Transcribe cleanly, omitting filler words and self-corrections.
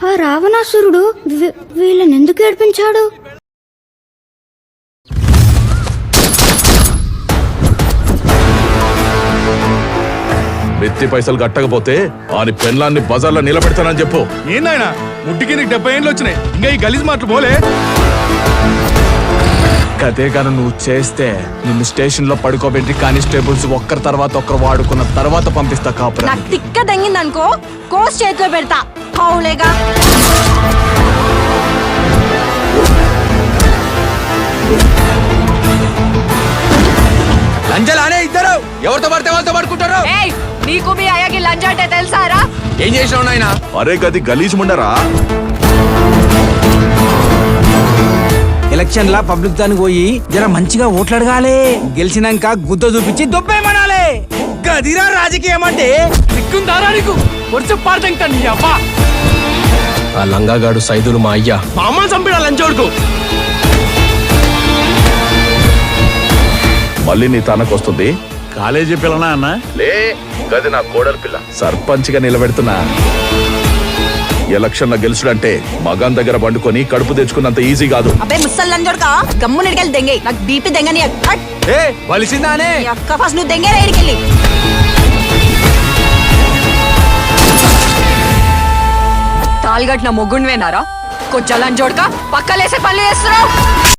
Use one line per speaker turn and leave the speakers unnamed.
ఆ రావణాసురుడు వీళ్ళని ఎందుకు ఏడిపించాడు?
వెత్తి పైసలు కట్టకపోతే ఆని పెన్లాన్ని బజార్లో నిలబెడతానని చెప్పు.
ఏందాయన ముట్టికి నీకు 70 ఏళ్ళు వచ్చినాయి, ఇంకా ఈ గలీజ్ మాటలు పోలే.
అదే గాను నువ్వు చేస్తే నిన్ను స్టేషన్ లో పడుకోబెట్టి కానిస్టేబుల్స్ ఒక్కరి తర్వాత ఒక్కరు వాడుకున్న తర్వాత పంపిస్తా కాపురా.
నాకు తిక్క దంగిందనుకో కోస్ చేతిలో పెడతా. హౌలేగా
లంజలానే ఇద్దరు ఎవరితో పడితే వాళ్ళతో పడుకుంటారు.
నీకు మీ అయ్యకి లంచ్ అంటే తెలుసారా?
ఏం చేసినావు నాయనా?
అరే గది గలీజ్ ముండరా.
ఎలక్షన్ లా పబ్లిక్ దానికి పోయి జర మంచిగా ఓట్లు అడగాలి. గెలిచినాక గుద్ద చూపించి దొబ్బేమనాలి. గదిరా రాజకీయం అంటే.
ఆ లంగాగాడు సైదులు మా అయ్యా
మా అమ్మని చంపిన లంచోడుకు.
మళ్ళీ నీ తనకొస్తుంది.
కాలేజీ పిల్లనా అన్న?
లే గది నా కోడలి పిల్ల. సర్పంచ్ గా నిలబెడుతున్నా. ఎలక్షన్ లో గెలుచుడంటే మగాన్ దగ్గర పండుకొని కడుపు తెచ్చుకున్నంత ఈజీ కాదు.
అబ్బే ముసల్ లంచోడుకా గమ్ము నిడికెళ్ళి దెంగే. నాకు బీపీ దెంగని
వలిసిందానే
అక్క ఫస్ట్ నువ్వు దెంగే రైడికెళ్ళి. తాల్గట్టిన మొగ్గుండివేనారా? కొంచెం లంచోడుకా పక్కలేసే పనులు చేస్తున్నావు.